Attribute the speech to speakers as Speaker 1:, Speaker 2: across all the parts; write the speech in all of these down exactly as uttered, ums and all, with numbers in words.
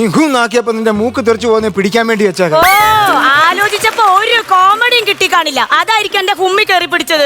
Speaker 1: നീ ഹൂന്നാക്കിയപ്പോ നിന്റെ മൂക്ക് തെറിച്ചു പോകുന്ന പിടിക്കാൻ വേണ്ടി വെച്ചേക്ക.
Speaker 2: ഓ ആലോചിച്ചപ്പോ ഒരു കോമഡിയും കിട്ടി കാണില്ല. അതായിരിക്കും എന്റെ കുമ്മി കയറി പിടിച്ചത്.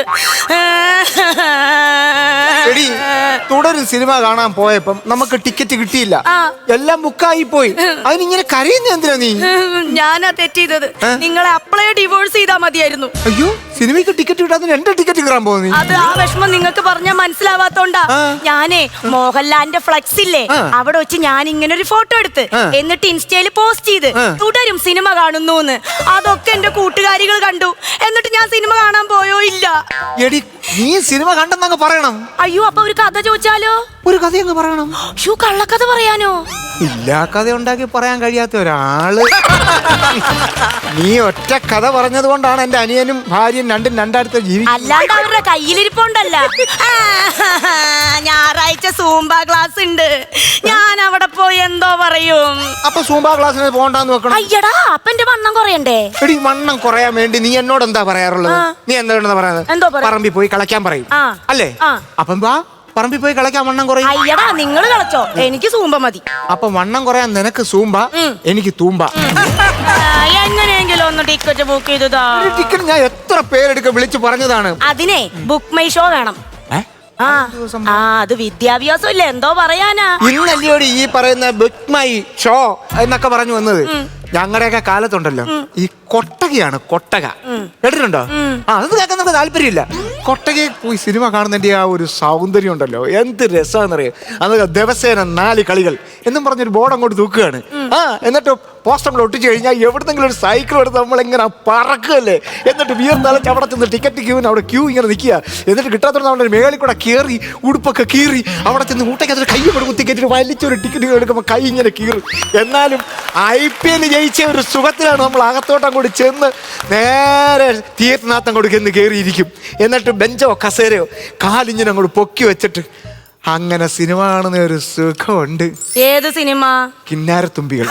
Speaker 1: എടി തുടരും സിനിമ കാണാൻ പോയപ്പം നമുക്ക് ടിക്കറ്റ് കിട്ടിയില്ല, എല്ലാം ബുക്കായി പോയി. അതിനിങ്ങനെ കരയുന്ന എന്തിനാ നീ?
Speaker 2: ഞാനാ തെറ്റ് ചെയ്തത്. നിങ്ങളെ അപ്ലൈ ഡിവോഴ്സ് ചെയ്താൽ മതിയായിരുന്നു.
Speaker 1: അയ്യോ സിനിമയ്ക്ക് ടിക്കറ്റ് കിട്ടാതെ എന്റെ ടിക്കറ്റ് കയറാൻ പോകുന്നു.
Speaker 2: അത് ആ വിഷമം നിങ്ങൾക്ക് പറഞ്ഞാൽ മനസ്സിലാവാത്തോണ്ടാ. ഞാനേ മോഹൻലാലിന്റെ ഫ്ലക്സ് ഇല്ലേ, അവിടെ വെച്ച് ഞാൻ ഇങ്ങനെ ഒരു ഫോട്ടോ എടുത്ത് എന്നിട്ട് ഇൻസ്റ്റയില് പോസ്റ്റ് ചെയ്ത് തുടരും സിനിമ കാണുന്നു. അതൊക്കെ എന്റെ കൂട്ടുകാരികൾ കണ്ടു. എന്നിട്ട് ഞാൻ സിനിമ കാണാൻ പോയോ ഇല്ല.
Speaker 1: എടി നീ സിനിമ കണ്ടെന്നങ്ങ് പറയണം.
Speaker 2: അയ്യോ അപ്പൊ ഒരു കഥ ചോദിച്ചാലോ?
Speaker 1: ഒരു കഥ അങ്ങ് പറയണം.
Speaker 2: ഷൂ കള്ളക്കഥ പറയാനോ?
Speaker 1: ഇല്ല കഥ ഉണ്ടാക്കി പറയാൻ കഴിയാത്ത ഒരാള്. നീ ഒറ്റ കഥ പറഞ്ഞത് കൊണ്ടാണ് എന്റെ അനിയനും ഭാര്യയും രണ്ടും രണ്ടായിരത്തെ ജീവി.
Speaker 2: അല്ലാണ്ട് അവരുടെ കയ്യിലിരിപ്പുണ്ടല്ല. ഞായറാഴ്ച സൂംബ ക്ലാസ് ഉണ്ട്, ഞാൻ അവിടെ പോയി എന്തോ പറയും.
Speaker 1: അപ്പൊ സൂംബ ക്ലാസ്സിന് പോകണ്ടെന്ന് വെക്കണം.
Speaker 2: അയ്യടാ അപ്പൊ എന്റെ വണ്ണം കുറയണ്ടേ?
Speaker 1: എടി വണ്ണം കുറയാൻ വേണ്ടി നീ എന്നോട് എന്താ പറയാറുള്ളത്? നീ എന്താ പറയുന്നത്? പറമ്പിൽ പോയി കളിക്കാൻ പറയും അല്ലേ? അപ്പം വാ പറമ്പിൽ പോയി കളിക്കാൻ വണ്ണം കുറയും.
Speaker 2: അയ്യടാ നിങ്ങൾ കളിച്ചോ, എനിക്ക് സൂമ്പ മതി.
Speaker 1: അപ്പൊ വണ്ണം കുറയാൻ നിനക്ക് സൂമ്പ, എനിക്ക് തൂമ്പ.
Speaker 2: എങ്ങനെയെങ്കിലും ഒന്ന് ടിക്കറ്റ് ബുക്ക് ചെയ്തതാ.
Speaker 1: ടിക്കറ്റ് ഞാൻ എത്ര പേരെടുക്ക വിളിച്ചു പറഞ്ഞതാണ്.
Speaker 2: അതിനെ ബുക്ക് മൈ ഷോ വേണം. ആ അത് വിദ്യാഭ്യാസം ഇല്ല, എന്തോ പറയാനാ.
Speaker 1: ഇന്നല്ലയോടി ഈ പറയുന്ന ബുക്ക് മൈ ഷോ എന്നൊക്കെ പറഞ്ഞു വന്നത്. ഞങ്ങളുടെയൊക്കെ കാലത്തുണ്ടല്ലോ ഈ കൊട്ടകയാണ് കൊട്ടക, കേട്ടിട്ടുണ്ടോ? ആ അത് കേൾക്കാൻ നമുക്ക് താല്പര്യമില്ല. കൊട്ടകയിൽ പോയി സിനിമ കാണുന്നതിന്റെ ആ ഒരു സൗന്ദര്യം ഉണ്ടല്ലോ, എന്ത് രസമാണെന്നറിയാം. അതൊക്കെ ദിവസേന നാല് കളികൾ എന്നും പറഞ്ഞൊരു ബോർഡ് അങ്ങോട്ട് തൂക്കുകയാണ്. ആ എന്നിട്ട് പോസ്റ്റർ നമ്മൾ ഒട്ടിച്ചു കഴിഞ്ഞാൽ എവിടെന്നെങ്കിലും ഒരു സൈക്കിൾ എടുത്ത് നമ്മളിങ്ങനെ പറക്കുകയല്ലേ. എന്നിട്ട് വിയർന്നലച്ച് അവിടെ ചെന്ന് ടിക്കറ്റ് ക്യൂവിന് അവിടെ ക്യൂ ഇങ്ങനെ നിൽക്കുക. എന്നിട്ട് കിട്ടാത്തോണ്ട് നമ്മുടെ മേളിൽ കൂടെ കയറി ഉടുപ്പൊക്കെ കീറി അവിടെ ചെന്ന് ഊട്ടയ്ക്കകത്ത് കൈ കൂടെ കുത്തി കയറ്റിട്ട് വലിച്ചൊരു ടിക്കറ്റ് എടുക്കുമ്പോൾ കൈ ഇങ്ങനെ കീറി. എന്നാലും ഐ പി എൽ ജയിച്ച ഒരു സുഖത്തിലാണ് നമ്മൾ അകത്തോട്ട് അങ്ങോട്ട് ചെന്ന് നേരെ തിയേറ്ററിനകത്ത് അങ്ങോട്ട് ചെന്ന് കയറിയിരിക്കും. എന്നിട്ട് ബെഞ്ചോ കസേരയോ കാലിങ്ങനെ അങ്ങോട്ട് പൊക്കി വെച്ചിട്ട് അങ്ങനെ സിനിമ കാണുന്ന ഒരു സുഖമുണ്ട്.
Speaker 2: ഏത് സിനിമ?
Speaker 1: കിന്നാരത്തുമ്പികൾ.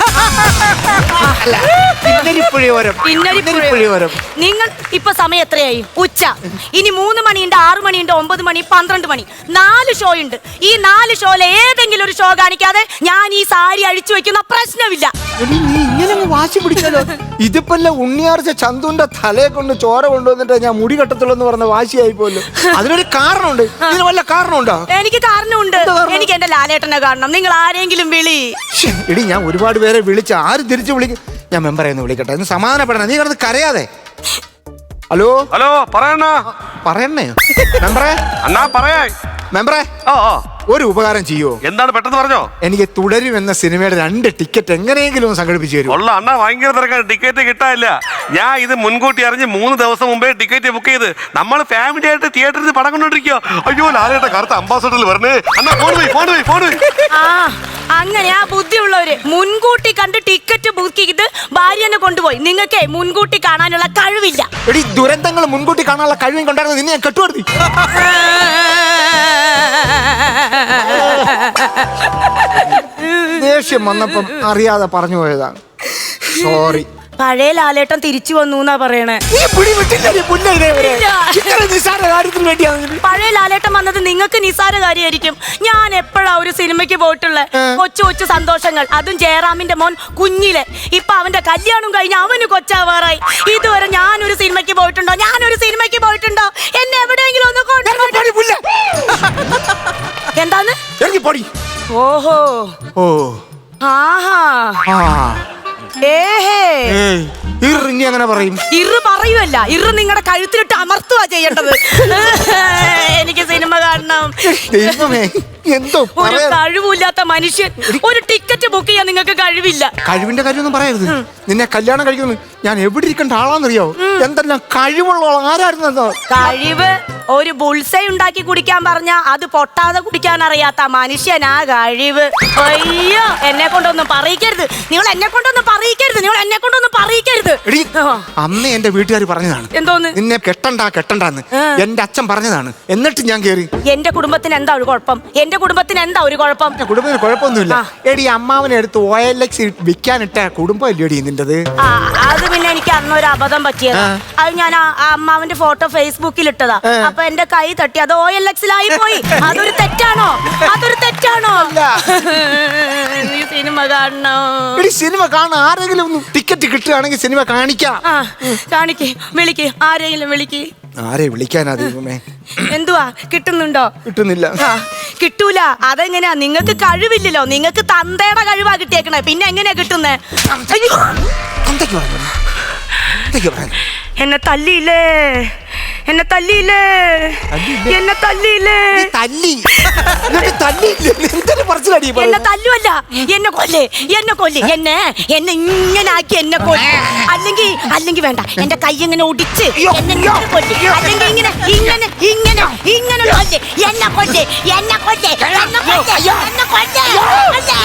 Speaker 2: നിങ്ങൾ ഇപ്പൊ സമയം എത്രയായി? ഉച്ച. ഇനി മൂന്ന് മണിയുണ്ട്, ആറു മണിയുണ്ട്, ഒമ്പത് മണി, പന്ത്രണ്ട് മണി, നാല് ഷോ ഉണ്ട്. ഈ നാല് ഷോയിലെ ഏതെങ്കിലും ഒരു ഷോ കാണിക്കാതെ ഞാൻ ഈ സാരി അഴിച്ചു വെക്കുന്ന പ്രശ്നമില്ല.
Speaker 1: നീ ഇങ്ങനെ വാശി പിടിക്കാലോ. ഇതിപ്പല്ല ഉണ്ണിയാർച്ച ചന്തുന്റെ തലയെ കൊണ്ട് ചോര കൊണ്ടുവന്നിട്ട് ഞാൻ മുടി കെട്ടത്തുള്ളൂ എന്ന് പറഞ്ഞ വാശിയായി പോലും. അതിനൊരു കാരണമുണ്ട്. ഇതിന് വല്ല കാരണമുണ്ടോ?
Speaker 2: എനിക്ക് കാരണമുണ്ട്. എനിക്ക് എന്റെ ലാലേട്ടനെ കാണണം. നിങ്ങൾ ആരെങ്കിലും വിളി.
Speaker 1: എടി ഞാൻ ഒരുപാട് പേരെ വിളിച്ച് ആരും തിരിച്ചു വിളിക്കും. ഞാൻ മെമ്പറെ ഒന്ന് വിളിക്കട്ടെ, ഒന്ന് സമാധാനപ്പെടണം. നീ കിടന്ന് കരയാതെ. ഹലോ
Speaker 3: ഹലോ പറയണ
Speaker 1: പറയണേ മെമ്പറെ.
Speaker 3: അണ്ണാ പറയാ
Speaker 1: മെമ്പറെ ഒരു ഉപകാരം ചെയ്യോ?
Speaker 3: എന്താണ് പെട്ടെന്ന് പറഞ്ഞോ.
Speaker 1: എനിക്ക് തുടരും എന്ന സിനിമയുടെ രണ്ട് ടിക്കറ്റ് എങ്ങനെയെങ്കിലും ഒന്ന് സംഘടിപ്പിച്ചു തരും.
Speaker 3: ഉള്ള അണ്ണാ ഭയങ്കര തിരക്കാണ്, ടിക്കറ്റ് കിട്ടാനില്ല. ഞാൻ ഇത് മുൻകൂട്ടി അറിഞ്ഞ് മൂന്ന് ദിവസം മുമ്പേ ടിക്കറ്റ് ബുക്ക് ചെയ്ത് നമ്മൾ ഫാമിലി ആയിട്ട് തിയേറ്ററിൽ പടം കൊണ്ടോണ്ടിരിക്കോ. അയ്യോ ലാലേട്ട കറുത്ത അംബാസഡറിൽ വരണേ. അണ്ണാ ഫോൺ പോയി ഫോൺ പോയി ഫോൺ പോയി.
Speaker 2: ആ അങ്ങനെ ആ ബുദ്ധിയുള്ളവര് മുൻകൂട്ടി കണ്ട് ടിക്കറ്റ് ബുക്ക് ചെയ്ത് ഭാര്യനെ കൊണ്ടുപോയി. നിങ്ങൾക്ക് മുൻകൂട്ടി കാണാനുള്ള കഴിവില്ല.
Speaker 1: എടി ദുരന്തങ്ങൾ മുൻകൂട്ടി കാണാനുള്ള കഴിവും കൊണ്ടായിരുന്നു നിന്നെ ഞാൻ കെട്ടുവർത്തി. ദേഷ്യം വന്നപ്പം അറിയാതെ പറഞ്ഞു പോയതാണ്, സോറി.
Speaker 2: പഴയ ലാലേട്ടൻ തിരിച്ചു വന്നു എന്നാ പറയണേ. പഴയ ലാലേട്ടൻ വന്നത് നിങ്ങൾക്ക് നിസാര കാര്യമായിരിക്കും. ഞാൻ എപ്പോഴാ ഒരു സിനിമയ്ക്ക് പോയിട്ടുള്ളത്? കൊച്ചു കൊച്ചു സന്തോഷങ്ങൾ, അതും ജയറാമിന്റെ മോൻ കുഞ്ഞിലെ. ഇപ്പൊ അവന്റെ കല്യാണം കഴിഞ്ഞ് അവന് കൊച്ചാവാറായി. ഇതുവരെ ഞാനൊരു സിനിമയ്ക്ക് പോയിട്ടുണ്ടോ? ഞാനൊരു സിനിമയ്ക്ക് പോയിട്ടുണ്ടോ? എന്നെ എവിടെയെങ്കിലും ഒന്ന് കൊണ്ടുപോയി. എന്താന്ന്? ഓഹോ
Speaker 1: ഓ
Speaker 2: ആഹാ
Speaker 1: ഇനി അങ്ങനെ പറയും?
Speaker 2: ഇറ് പറയുമല്ല, ഇറ് നിങ്ങളുടെ കഴുത്തിലിട്ട് അമർത്തുക ചെയ്യേണ്ടത്. എനിക്ക് സിനിമ കാണണം.
Speaker 1: എന്തോ
Speaker 2: ഒരു കഴിവില്ലാത്ത മനുഷ്യൻ. ഒരു ടിക്കറ്റ് ബുക്ക് ചെയ്യാൻ നിങ്ങൾക്ക് കഴിവില്ല.
Speaker 1: കഴിവിന്റെ കാര്യമൊന്നും പറയരുത്. നിന്നെ കല്യാണം കഴിക്കുന്നു ഞാൻ എവിടെ ഇരിക്കേണ്ട ആളാന്നറിയോ? എന്തെല്ലാം കഴിവുള്ള ആരായിരുന്നു?
Speaker 2: കഴിവ് ഒരു ബുൾസൈ ഉണ്ടാക്കി കുടിക്കാൻ പറഞ്ഞ അത് പൊട്ടാതെ കുടിക്കാൻ അറിയാത്ത മനുഷ്യനാ കഴിവ്. അയ്യോ എന്നെ കൊണ്ടൊന്നും പറയിക്കരുത്. നിങ്ങൾ എന്നെ കൊണ്ടൊന്നും പറയിക്കരുത്. നിങ്ങൾ എന്നെ കൊണ്ടൊന്നും പറയിക്കരുത്.
Speaker 1: അന്ന് എന്റെ വീട്ടുകാർ പറഞ്ഞതാണ്
Speaker 2: എന്തോന്ന്?
Speaker 1: നിന്നെ കെട്ടണ്ട കെട്ടണ്ടെന്ന് എന്റെ അച്ഛൻ പറഞ്ഞതാണ്. എന്നിട്ട് ഞാൻ കേറി.
Speaker 2: എന്റെ കുടുംബത്തിന് എന്താ ഒരു കുഴപ്പം? എന്റെ കുടുംബത്തിന് എന്താ ഒരു കുഴപ്പം?
Speaker 1: കുടുംബത്തിന് കുഴപ്പമൊന്നുമില്ല. എടി അമ്മാവനെ എടുത്ത് ഒ എൽ എക്സ് വിൽക്കാനിട്ട കുടുംബം അല്ലേടി നിന്റത്?
Speaker 2: അത് പിന്നെ എനിക്ക് അന്നൊരു അബദ്ധം പറ്റിയത്. അത് ഞാൻ ആ അമ്മാവന്റെ ഫോട്ടോ ഫേസ്ബുക്കിൽ ഇട്ടതാ. അപ്പൊ എന്റെ കൈ തട്ടി അത് ഓ എൽ എക്സിലായി പോയി. അതൊരു തെറ്റാണോ? അതൊരു തെറ്റാണോ? നീ സിനിമ കാണണോ?
Speaker 1: സിനിമ കാണാൻ ആരെങ്കിലും ഒന്ന് ടിക്കറ്റ് കിട്ടുകയാണെങ്കിൽ സിനിമ കാണിക്കാം.
Speaker 2: ആ കാണിക്ക്, വിളിക്ക്, ആരെങ്കിലും വിളിക്ക്.
Speaker 1: ആരെ വിളിക്കാനാ ദൈവമേ?
Speaker 2: എന്തുവാ കിട്ടുന്നുണ്ടോ?
Speaker 1: കിട്ടുന്നില്ല.
Speaker 2: ആ കിട്ടൂല. അതെങ്ങനെയാ? നിങ്ങൾക്ക് കഴിവില്ലല്ലോ. നിങ്ങൾക്ക് തന്തയുടെ കഴിവാ കിട്ടിയേക്കണേ. പിന്നെ എങ്ങനെയാ കിട്ടുന്നേ?
Speaker 1: എന്തൊക്കെ പറഞ്ഞു? എന്തൊക്കെ പറഞ്ഞു?
Speaker 2: എന്നെ തല്ലിയില്ലേ? എന്നെ തല്ലിയില്ലേ? എന്നെ തല്ലിയില്ലേ?
Speaker 1: തല്ലി തല്ലിയില്ലേ? എന്തൊരു പറച്ചിലടി ഈ
Speaker 2: എന്നെ
Speaker 1: പറയുന്നത്?
Speaker 2: തല്ലുവല്ല, എന്നെ കൊല്ലേ, എന്നെ കൊല്ലേ, എന്നെ എന്നെ ഇങ്ങനെ ആക്കി എന്നെ കൊല്ലേ. അല്ലെങ്കിൽ അല്ലെങ്കിൽ വേണ്ട, എന്റെ കൈ ഇങ്ങനെ ഒടിച്ച് എന്നെ ഇങ്ങനെ കൊല്ലേ. അല്ലെങ്കിൽ ഇങ്ങനെ ഇങ്ങനെ ഇങ്ങനെ ഇങ്ങനെ കൊല്ലേ. എന്നെ കൊല്ലേ, എന്നെ കൊല്ലേ, എന്നെ കൊല്ലേ, എന്നെ കൊല്ലേ, കൊല്ലേ.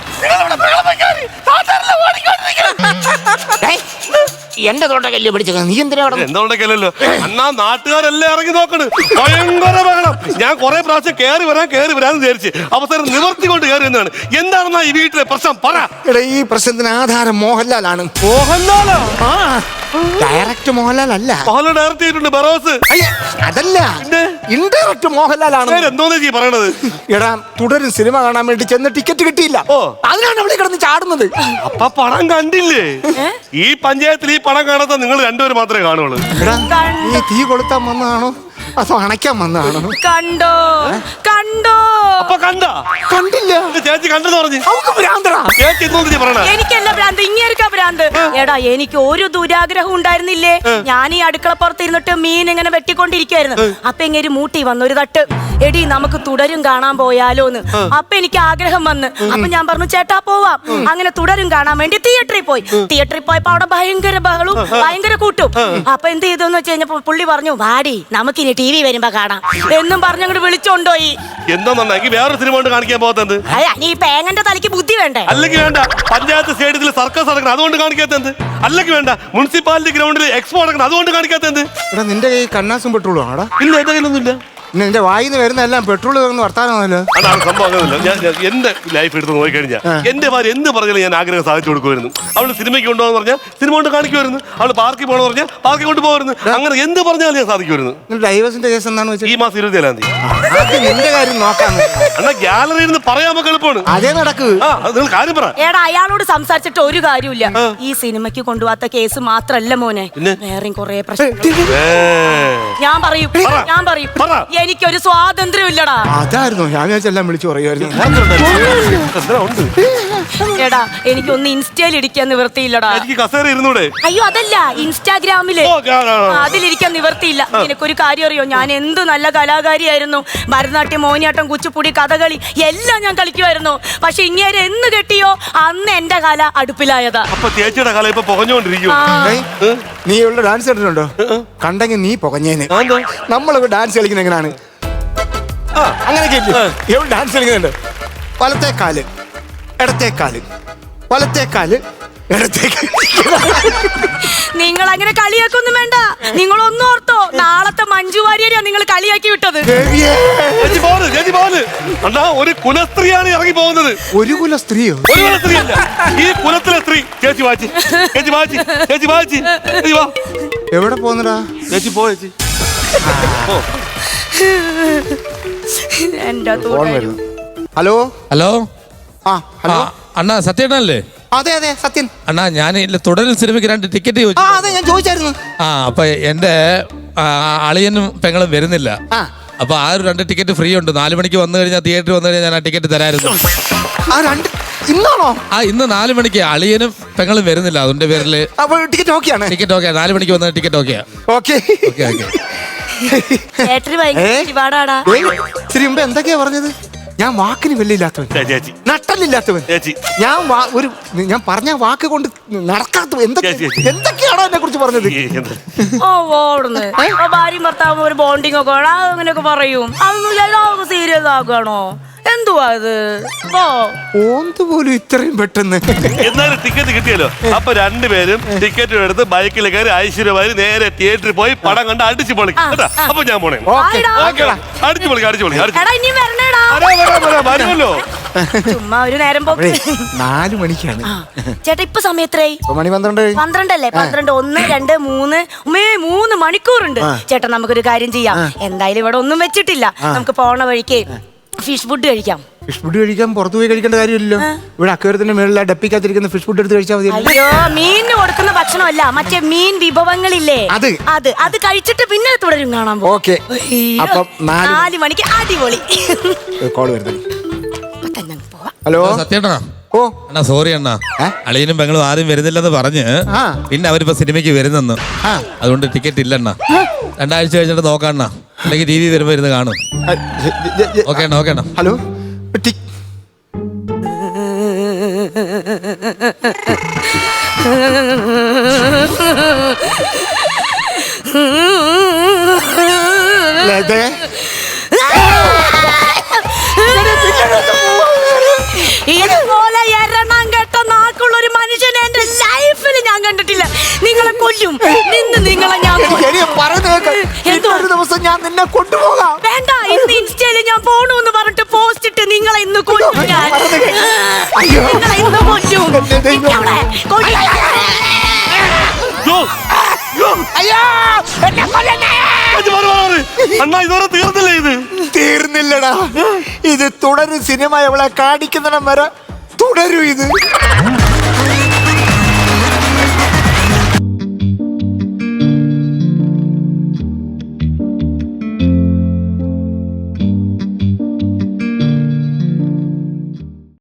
Speaker 1: ഏയ്, എന്റെ തൊണ്ടക്കല്ലേ പിടിച്ചത്? നീ എന്തിനാ അവിടെ?
Speaker 3: എന്തുകൊണ്ടൊക്കെയല്ലോ അന്നാ നാട്ടുകാരെല്ലാം ഇറങ്ങി നോക്കണ്. ഭയങ്കര ബഹളം. ഞാൻ കുറെ പ്രാവശ്യം കയറി വരാൻ കയറി വരാന്ന് വിചാരിച്ച് അവസരം നിവർത്തി കൊണ്ട് കയറി എന്നാണ്. എന്താണെന്നാ ഈ വീട്ടിലെ പ്രശ്നം? പറ.
Speaker 1: എടാ, ഈ പ്രശ്നത്തിന് ആധാരം മോഹൻലാലാണ്.
Speaker 3: മോഹൻലാലോ?
Speaker 1: ആ, ഡയറക്റ്റ് മോഹൻലാൽ അല്ല.
Speaker 3: മോഹൻലാൽ ഡയറക്റ്റ് ചെയ്തിട്ടുണ്ട് ബറോസ്.
Speaker 1: അയ്യ, അതല്ല, ഇൻഡയറക്റ്റ് മോഹൻലാലാണ്.
Speaker 3: എന്തോന്ന് ചെയ് പറയണത്?
Speaker 1: എടാ, തുടരും സിനിമ കാണാൻ വേണ്ടി ചെന്ന് ടിക്കറ്റ് കിട്ടിയില്ല.
Speaker 3: ഓ,
Speaker 1: അതിനാണ് അവിടെ കിടന്ന് ചാടുന്നത്.
Speaker 3: അപ്പൊ പടം കണ്ടില്ലേ? ഈ പഞ്ചായത്തിൽ ഈ പടം കാണാത്ത നിങ്ങൾ രണ്ടുപേരും മാത്രമേ കാണുള്ളൂ.
Speaker 1: എടാ, നീ തീ കൊളുത്താൻ വന്നതാണോ അതോ അണയ്ക്കാൻ വന്നതാണോ?
Speaker 2: കണ്ടോ കണ്ടോ?
Speaker 3: അപ്പൊ കണ്ട?
Speaker 1: കണ്ടില്ല.
Speaker 3: ചേച്ചി കണ്ടെന്ന് പറഞ്ഞു.
Speaker 1: അവക്ക് ഭ്രാന്തടാ.
Speaker 3: ചേച്ചി എന്തോന്ന് പറയണ?
Speaker 2: എനിക്കല്ല ഭ്രാന്ത്, ഇങ്ങേർക്കാ ഭ്രാന്ത്. എടാ, എനിക്ക് ഒരു ദുരാഗ്രഹം ഉണ്ടായിരുന്നില്ലേ? ഞാൻ ഈ അടുക്കളപ്പുറത്ത് ഇരുന്നിട്ട് മീൻ ഇങ്ങനെ വെട്ടിക്കൊണ്ടിരിക്കായിരുന്നു. അപ്പൊ ഇങ്ങനെ മൂട്ടി വന്നു ഒരു തട്ട്. എടി, നമുക്ക് തുടരും കാണാൻ പോയാലോന്ന്. അപ്പൊ എനിക്ക് ആഗ്രഹം വന്ന്. അപ്പൊ ഞാൻ പറഞ്ഞു, ചേട്ടാ പോവാം. അങ്ങനെ തുടരും കാണാൻ വേണ്ടി തിയേറ്ററിൽ പോയി. തിയേറ്ററിൽ പോയപ്പോ അവിടെ ഭയങ്കര ബഹളും ഭയങ്കര കൂട്ടും. അപ്പൊ എന്ത് ചെയ്തെന്ന് വെച്ച് കഴിഞ്ഞപ്പോ പുള്ളി പറഞ്ഞു, വാടി നമുക്കിനി ടി വി വരുമ്പോ കാണാം എന്നും പറഞ്ഞങ്ങോട്ട് വിളിച്ചോണ്ടോയി.
Speaker 3: എന്താന്നെങ്കിൽ വേറെ സിനിമ കൊണ്ട് കാണിക്കാൻ പോകത്തത്?
Speaker 2: നീ പേങ്ങന്റെ തലയ്ക്ക് ബുദ്ധി വേണ്ടേ?
Speaker 3: അല്ലെങ്കിൽ വേണ്ട, പഞ്ചായത്ത് സ്റ്റേഡിയത്തിൽ സർക്കസ് നടക്കണം അതുകൊണ്ട് കാണിക്കാത്തത്? അല്ലെങ്കിൽ വേണ്ട, മുനിസിപ്പാലിറ്റി ഗ്രൗണ്ടിൽ എക്സ്പോ നടക്കണം അതുകൊണ്ട് കാണിക്കാത്തത്?
Speaker 1: എടാ, നിന്റെ കൈ കണ്ണാസും പെട്രോളും ആടാ?
Speaker 3: ഇല്ല, എന്റെ കയ്യിലൊന്നുമില്ല.
Speaker 1: പിന്നെ എന്റെ വായിന്ന് വരുന്ന എല്ലാം പെട്രോൾ വർത്താനമല്ലോ.
Speaker 3: അതാണ് സംഭവം. അങ്ങനെയല്ല, ഞാൻ ഞാൻ എന്റെ ലൈഫ് എടുത്ത് നോക്കിക്കഴിഞ്ഞാൽ എന്റെ ഭാര്യ എന്ത് പറഞ്ഞാലും ഞാൻ ആഗ്രഹം സാധിച്ചു കൊടുക്കുമായിരുന്നു. അവള് സിനിമയ്ക്ക് കൊണ്ടുപോകാന്ന് പറഞ്ഞാൽ സിനിമ കൊണ്ട് കാണിക്കുമായിരുന്നു. അവള് പാർക്കിൽ പോകണമെന്ന് പറഞ്ഞാൽ പാർക്കിൽ കൊണ്ടുപോകുമായിരുന്നു. അങ്ങനെ എന്ത് പറഞ്ഞാലും ഞാൻ സാധിക്കുമായിരുന്നു.
Speaker 1: ഡൈവേഴ്സിന്റെ കേസ് എന്താണെന്ന് വെച്ചാൽ
Speaker 3: ഈ മാസം ഇരുപത്തിയേഴാം തീയതി
Speaker 1: നിന്റെ കാര്യം നോക്കാം.
Speaker 3: എന്നാ ഗാലറിയിൽ നിന്ന് പറയാൻ നമുക്ക് എളുപ്പമാണ്.
Speaker 1: അതേ നടക്ക്.
Speaker 3: ആ, നിങ്ങൾ കാര്യം പറ.
Speaker 2: എടാ, അയാളോട് സംസാരിച്ചിട്ട് ഒരു കാര്യമില്ല. ഈ സിനിമയ്ക്ക് കൊണ്ടുപോകാത്ത കേസ് മാത്രല്ല മോനെ, വേറെയും കൊറേ പ്രശ്നം. ഞാൻ പറയും ഞാൻ പറയും എനിക്കൊരു സ്വാതന്ത്ര്യം ഇല്ലടാ.
Speaker 1: അതായിരുന്നു ഞാൻ എല്ലാം വിളിച്ചു പറയുമായിരുന്നു.
Speaker 2: എടാ, എനിക്കൊന്ന് ഇൻസ്റ്റയിൽ ഇരിക്കാൻ നിവൃത്തിയില്ലടാ.
Speaker 3: എനിക്ക് കസേര ഇരുന്നൂടെ?
Speaker 2: അയ്യോ, അതല്ല, ഇൻസ്റ്റാഗ്രാമില് അതിലിരിക്കാൻ നിവൃത്തിയില്ല. നിനക്കൊരു കാര്യം അറിയോ? ഞാൻ എന്ത് നല്ല കലാകാരിയായിരുന്നു. ഭരതനാട്യം, മോഹിനിയാട്ടം, കുച്ചിപ്പുടി, കഥകളി എല്ലാം ഞാൻ കളിക്കുമായിരുന്നു. പക്ഷെ ഇങ്ങനെ എന്ന് കെട്ടിയോ അന്ന് എന്റെ കല അടുപ്പിലായതാ.
Speaker 3: അപ്പൊ ചേച്ചിയുടെ കല ഇപ്പൊ പുകഞ്ഞോണ്ടിരിക്കും.
Speaker 1: നീ ഇവിടെ ഡാൻസ് കളിച്ചിട്ടുണ്ടോ? കണ്ടെങ്കിൽ നീ പുകഞ്ഞേന്. നമ്മളൊക്കെ ഡാൻസ് കളിക്കുന്ന എങ്ങനെയാണ്? അങ്ങനെയൊക്കെ എവിടെ ഡാൻസ് കളിക്കുന്നുണ്ട്? വലത്തേക്കാല്, ഇടത്തേക്കാല്, വലത്തേക്കാല്, ഇടത്തേക്കാല്.
Speaker 2: നിങ്ങൾ അങ്ങനെ കളിയാക്കൊന്നും വേണ്ട. നിങ്ങൾ ഒന്നും ഓർത്തോ, നാളത്തെ മഞ്ജു വാര്യരെയാ നിങ്ങൾ കളിയാക്കി വിട്ടത്.
Speaker 3: ഒരു കുലസ്ത്രീയാണ് ഇറങ്ങി പോകുന്നത്.
Speaker 1: ഒരു കുല സ്ത്രീയോ?
Speaker 3: ഒരു കുല സ്ത്രീ അല്ല, ഈ കുലത്തിലെ സ്ത്രീ. ചേച്ചി വാച്ചി, ചേച്ചി വാച്ചി, ചേച്ചി വാച്ചി.
Speaker 1: എവിടെ പോകുന്നടാ? ചേച്ചി പോ, ചേച്ചി. Hello
Speaker 4: hello.
Speaker 1: ആ ഹലോ
Speaker 4: അണ്ണാ, സത്യേട്ടനല്ലേ?
Speaker 1: അതെ അതെ, സത്യൻ.
Speaker 4: അണ്ണാ, ഞാൻ ഇല്ല തുടരും സിനിമയ്ക്ക് രണ്ട് ടിക്കറ്റ് ചോദിച്ചു.
Speaker 1: ആ, അതെ, ഞാൻ ചോദിച്ചായിരുന്നു.
Speaker 4: ആ, അപ്പൊ എന്റെ ആ, അളിയനും പെങ്ങളും വരുന്നില്ല.
Speaker 1: ആ,
Speaker 4: അപ്പൊ ആ ഒരു രണ്ട് ടിക്കറ്റ് ഫ്രീ ഉണ്ട്. നാല് മണിക്ക് വന്നു കഴിഞ്ഞാൽ തിയേറ്ററിൽ വന്നു കഴിഞ്ഞാൽ ഞാൻ ആ ടിക്കറ്റ് തരായിരുന്നു.
Speaker 1: ആ രണ്ട് ഇന്നാണോ?
Speaker 4: ആ, ഇന്ന് നാല് മണിക്ക് അളിയനും പെങ്ങളും വരുന്നില്ല. അതിന്റെ പേരില്
Speaker 1: ടിക്കറ്റ് ഓക്കെയാണ്.
Speaker 4: Ticket okay. നാല് മണിക്ക് വന്ന ടിക്കറ്റ് ഓക്കെയാ.
Speaker 1: Okay
Speaker 4: okay okay.
Speaker 2: തിയേറ്ററിൽ ഭയങ്കര ഒരുപാടാടാ.
Speaker 1: ഇത്തിരി മുമ്പ് എന്തൊക്കെയാ പറഞ്ഞത്? ഞാൻ വാക്കിന് വെല്ലില്ലാത്തവൻ,
Speaker 3: ചേച്ചി
Speaker 1: നട്ടല്ലില്ലാത്തവൻ,
Speaker 3: ചേച്ചി
Speaker 1: ഞാൻ വാ- ഒരു ഞാൻ പറഞ്ഞ വാക്ക് കൊണ്ട് നടക്കാത്തവൻ. എന്തൊക്കെ എന്തൊക്കെയാണോ എന്നെ കുറിച്ച് പറഞ്ഞത്?
Speaker 2: ഓ, ഓടുന്നു. ഭാര്യയും ഭർത്താവും ഒരു ബോണ്ടിങ് ഒക്കെ അങ്ങനെയൊക്കെ പറയും. അതൊന്നും എല്ലാവർക്കും സീരിയസ് ആക്കുകയാണോ? എന്തുവാ ഇത്? ഓ,
Speaker 1: ഓന്ത് പോലും ഇത്രയും പെട്ടെന്ന്.
Speaker 3: എന്നാലും ടിക്കറ്റ് കിട്ടിയല്ലോ. അപ്പൊ രണ്ടുപേരും ടിക്കറ്റ് എടുത്ത് ബൈക്കിൽ കയറി ഐശ്വര്യമായി നേരെ തിയേറ്ററിൽ പോയി പടം കണ്ട് അടിച്ചു പൊളിക്കും കേട്ടാ. അപ്പൊ ഞാൻ പോണേ.
Speaker 1: ഓക്കെ,
Speaker 2: ആയിടാ.
Speaker 3: അടിച്ചു പൊളിക്കാം, അടിച്ചു പൊളിക്കാം, അടിച്ചു പൊളിക്കാം.
Speaker 2: എടാ, ഇനി വരണേടാ.
Speaker 3: വരുമല്ലോ.
Speaker 2: ചുമ്മാ ഒരു നേരം പോക്ക്.
Speaker 1: അപ്പോഴേ നാല് മണിക്കാണ്.
Speaker 2: ആ. ചേട്ടാ ഇപ്പൊ സമയം എത്രയായി?
Speaker 1: ഇപ്പൊ മണി പന്ത്രണ്ട്.
Speaker 2: പന്ത്രണ്ടല്ലേ? പന്ത്രണ്ട്, ഒന്ന്, രണ്ട്, മൂന്ന് ഉമ്മേ മൂന്ന് മണിക്കൂറുണ്ട്. ചേട്ടാ നമുക്കൊരു കാര്യം ചെയ്യാം. എന്തായാലും ഇവിടെ ഒന്നും വെച്ചിട്ടില്ല. നമുക്ക് പോണ വഴിക്ക് ഫിഷ് ഫുഡ് കഴിക്കാം.
Speaker 1: ഫിഷ് ഫുഡ് കഴിക്കാൻ പുറത്തു പോയി കഴിക്കേണ്ട കാര്യമില്ലല്ലോ. ഇവിടെ അക്വേറിയത്തിന്റെ മേളിൽ ഡപ്പിക്കകത്തിരിക്കുന്ന ഫിഷ് ഫുഡ് എടുത്ത് കഴിച്ചാൽ മതി.
Speaker 2: അയ്യോ, മീനിന് കൊടുക്കുന്ന ഭക്ഷണമല്ല, മറ്റേ മീൻ വിഭവങ്ങളില്ലേ,
Speaker 1: അത്
Speaker 2: അത് അത് കഴിച്ചിട്ട് പിന്നെ തുടരും കാണാൻ പോകും.
Speaker 1: ഓക്കെ. അപ്പം നാല്
Speaker 2: നാല് മണിക്ക് അടിപൊളി.
Speaker 1: കോള് വരുന്നത്.
Speaker 2: ഇപ്പൊ തന്നെ അങ്ങ് പോവാം.
Speaker 1: ഹലോ
Speaker 4: സത്യേട്ടാ.
Speaker 1: ഓ
Speaker 4: അണ്ണാ സോറി അണ്ണാ, അളിയനും പെങ്ങളും ആരും വരുന്നില്ലെന്ന് പറഞ്ഞ്
Speaker 1: ആ.
Speaker 4: പിന്നെ അവരിപ്പോ സിനിമയ്ക്ക് വരുന്നെന്ന്.
Speaker 1: ആ.
Speaker 4: അതുകൊണ്ട് ടിക്കറ്റ് ഇല്ലണ്ണ. രണ്ടാഴ്ച കഴിഞ്ഞിട്ട് നോക്കാണ്ണ, അല്ലെങ്കിൽ ടി വി വരുമ്പോ ഇരുന്ന് കാണും. ഓക്കെ അണ്ണ, ഓക്കെ അണ്ണ.
Speaker 1: ഹലോ ടി- ലതേ.
Speaker 2: ഇതുപോലെ എരണം കെട്ട നാക്കുള്ള ഒരു മനുഷ്യനെ എന്റെ ലൈഫിൽ ഞാൻ കണ്ടിട്ടില്ല. നിങ്ങളെ കൊല്ലും, നിന്ന് നിങ്ങളെ ഞാൻ കൊല്ലും.
Speaker 1: എടി, പറയുന്നത് കേൾക്ക്.
Speaker 2: എന്തോ?
Speaker 1: ഇന്നൊരു ദിവസം ഞാൻ നിന്നെ കൊണ്ടുപോകാം.
Speaker 2: വേണ്ട, ഇന്ന് ഇൻസ്റ്റയില് ഞാൻ പോണൂന്ന് പറഞ്ഞിട്ട് പോസ്റ്റ് ഇട്ട് നിങ്ങളെ ഇന്ന് കൊല്ലും ഞാൻ.
Speaker 1: അയ്യോ.
Speaker 2: നിങ്ങളെ ഇന്ന് കൊല്ലും.
Speaker 1: എന്റെ ദൈവമേ.
Speaker 2: നിങ്ങളെ കൊല്ലും.
Speaker 1: അയ്യോ, എന്നെ കൊല്ലണേ.
Speaker 3: അണ്ണാ ഇതുവരെ തീർന്നില്ലേ ഇത്?
Speaker 1: തീർന്നില്ലടാ, ഇത് തുടരും. സിനിമ എവളെ കാണിക്കുന്നിടം വരെ തുടരും ഇത്.